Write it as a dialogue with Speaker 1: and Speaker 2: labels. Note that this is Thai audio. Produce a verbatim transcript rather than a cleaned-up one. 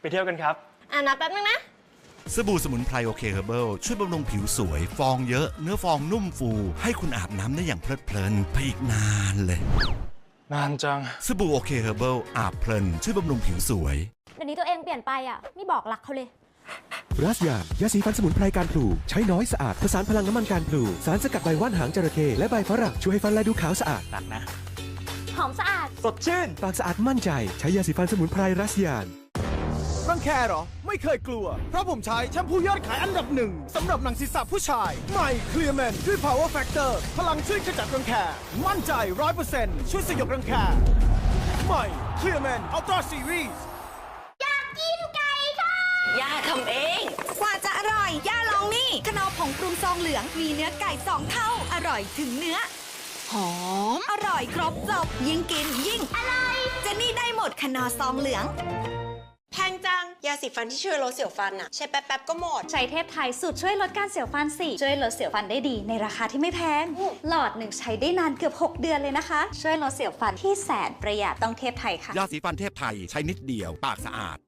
Speaker 1: เที่ยวกันครับ
Speaker 2: อ่ะนับแป๊บนึงนะ
Speaker 3: สบู่สมุนไพรโอเคเฮอร์เบิลช่วยบำรุงผิวสวยฟองเยอะเนื้อฟองนุ่มฟูให้คุณอาบน้ำได้อย่างเพลิดเพลินไปอีกนานเลย
Speaker 1: นานจัง
Speaker 3: สบู่โอเคเฮอร์เบิลอาบเพลินช่วยบำรุงผิวสวย
Speaker 2: เดี๋ยวนี้ตัวเองเปลี่ยนไปอ่ะไม่บอกรักเขาเลย
Speaker 4: รัสยายาสีฟันสมุนไพรการพลูใช้น้อยสะอาดผสานพลังน้ำมันการพลูสารสกัดใบว่านหางจระเข้และใบฝรั่งช่วยให้ฟันและดูขาวสะอาด
Speaker 1: ตักนะ
Speaker 2: หอมสะอาด
Speaker 1: สดชื่น
Speaker 4: ปากสะอาดมั่นใจใช้ยาสีฟันสมุนไพรรัสยา
Speaker 5: รังแคเหรอไม่เคยกลัวเพราะผมใช้แชมพูยอดขายอันดับหนึ่งสำหรับหนังศีรษะผู้ชายใหม่เคลียร์แมนด้วย Power Factor พลังช่วยขจัดรังแคมั่นใจ ร้อยเปอร์เซ็นต์ ช่วยสยบรังแคใหม่เคลียร์แมนอัลตร้าซีรีส์
Speaker 2: อยากกินไก่ค่ะ
Speaker 6: ย่าทำเองกว่าจะอร่อยย่าลองนี่ขนมผงปรุงซองเหลืองมีเนื้อไก่สองเท่าอร่อยถึงเนื้อหอมอร่อยครบจบยิ่งกินยิ่งอร่อยเจนี่ได้หมดขนมซองเหลือง
Speaker 7: แพงจังยาสีฟันที่ช่วยลดเสียวฟันอะใช้แป๊บๆก็หมด
Speaker 2: ใช้เทพไทยสูตรช่วยลดการเสียวฟันสิช่วยลดเสียวฟันได้ดีในราคาที่ไม่แพงหลอดหนึ่งใช้ได้นานเกือบหกเดือนเลยนะคะช่วยลดเสียวฟันที่แสนประหยัดต้องเทพไทยค่ะ
Speaker 3: ยาสีฟันเทพไทยใช้นิดเดียวปากสะอาด